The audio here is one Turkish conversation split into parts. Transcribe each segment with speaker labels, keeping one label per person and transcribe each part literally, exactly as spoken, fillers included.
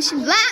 Speaker 1: bakalım şimdi. Lan!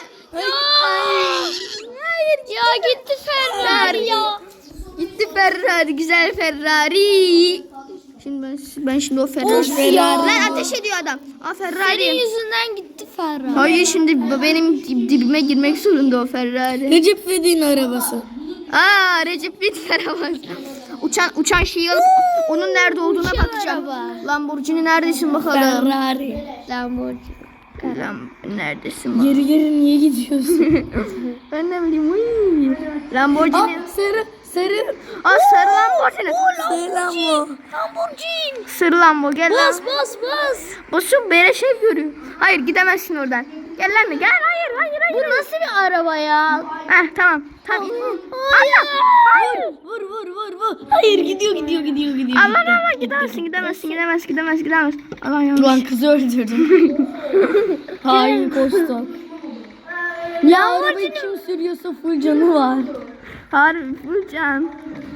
Speaker 2: Hayır ya gitti Ferrari ya.
Speaker 1: Gitti Ferrari, güzel Ferrari. Şimdi ben, ben şimdi o Ferrari.
Speaker 2: Of ya.
Speaker 1: Lan ateş ediyor adam. Aa
Speaker 2: Senin
Speaker 1: Ferrari.
Speaker 2: yüzünden gitti Ferrari.
Speaker 1: Hayır şimdi benim dib- dibime girmek zorunda o Ferrari.
Speaker 3: Recep İvedik'in arabası.
Speaker 1: Aa Recep İvedik arabası. Uçan uçan şeyi alıp onun nerede olduğuna
Speaker 2: Uçan
Speaker 1: bakacağım.
Speaker 2: araba.
Speaker 1: Lamborghini neredesin bakalım?
Speaker 3: Ferrari.
Speaker 2: Lamborghini.
Speaker 1: Lam neredesin bak?
Speaker 3: Geri geri niye gidiyorsun?
Speaker 1: Ben ne bileyim. Uy. Lamborghini.
Speaker 3: Aa, sarı sarı.
Speaker 1: Aa sarı Lamborghini.
Speaker 3: Selam o.
Speaker 2: Lamborghini.
Speaker 1: Sarı Lambo gel lan.
Speaker 2: Bas bas bas.
Speaker 1: Basın beleş ev görüyor. Hayır gidemezsin oradan. Gel lan gel hayır hayır hayır.
Speaker 2: Bu nasıl bir araba ya?
Speaker 1: Heh tamam. Tamam.
Speaker 2: Hayır.
Speaker 1: Hayır.
Speaker 3: Vur vur vur vur. Hayır gidiyor gidiyor gidiyor gidiyor.
Speaker 1: Allah Allah gidemezsin gidemezsin gidemezsin gidemezsin gidemezsin. Allah yanlış.
Speaker 3: Ulan kızı öldürdüm. Hain kostok. Ya arabayı kim sürüyorsa full canı var.
Speaker 1: Harbi Furcan.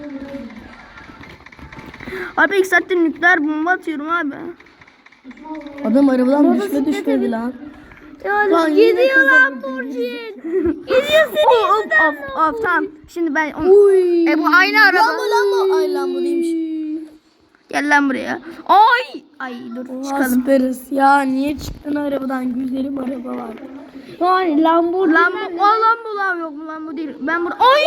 Speaker 1: Abi ilk saatte nükleer bomba atıyorum abi.
Speaker 3: Adam arabadan düşme düşmedi lan. Lan yine
Speaker 2: Gidiyor
Speaker 3: kızı
Speaker 2: Lamborghini. Gidiyor seni.
Speaker 1: Of of of tamam. Şimdi ben onu...
Speaker 3: Uy.
Speaker 1: E bu aynı araba.
Speaker 3: Lambo Lambo. Ay Lambo değilmiş.
Speaker 1: Gel lan buraya. Ay. Ay dur çıkalım.
Speaker 3: Asperis. Ya niye çıktın arabadan? Güzelim araba var.
Speaker 2: Yani Lamborghini.
Speaker 1: Lambo, o Lambo lan yok mu Lambo değil. Ben burada. Ay.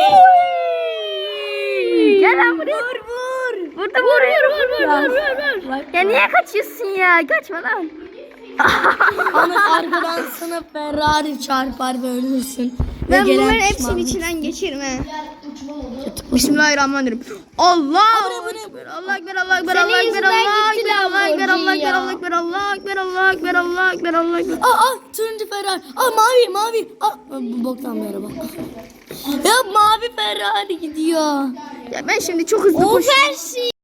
Speaker 1: Gel lan buraya. Vur vur. Burada vur vur vur vur vur vur. Ya niye kaçıyorsun ya? Kaçma lan.
Speaker 3: Ana arkadan sana Ferrari çarpar ve ölürsün. Ve
Speaker 1: Ben
Speaker 3: gelen
Speaker 1: bunların hepsinin
Speaker 3: pişmanlık.
Speaker 1: içinden geçerim he. Bismillahirrahmanirrahim. Allah Ekber, Allah Ekber, Allah Ekber, Allah Ekber,
Speaker 2: yüzünden
Speaker 1: Allah
Speaker 2: gitti
Speaker 1: Ekber, Allah Ekber, Allah
Speaker 2: Lamborghini
Speaker 1: Ekber,
Speaker 2: ya.
Speaker 1: Allah Ekber, Allah Ekber, Allah Ekber, Allah Ekber, Allah Ekber.
Speaker 3: Aa, aa turuncu Ferrari. Aa mavi mavi. Aa bu boktan bir araba. Ya mavi Ferrari gidiyor.
Speaker 1: Ya ben şimdi çok hızlı
Speaker 2: O
Speaker 1: koşuyorum.
Speaker 2: Fersi.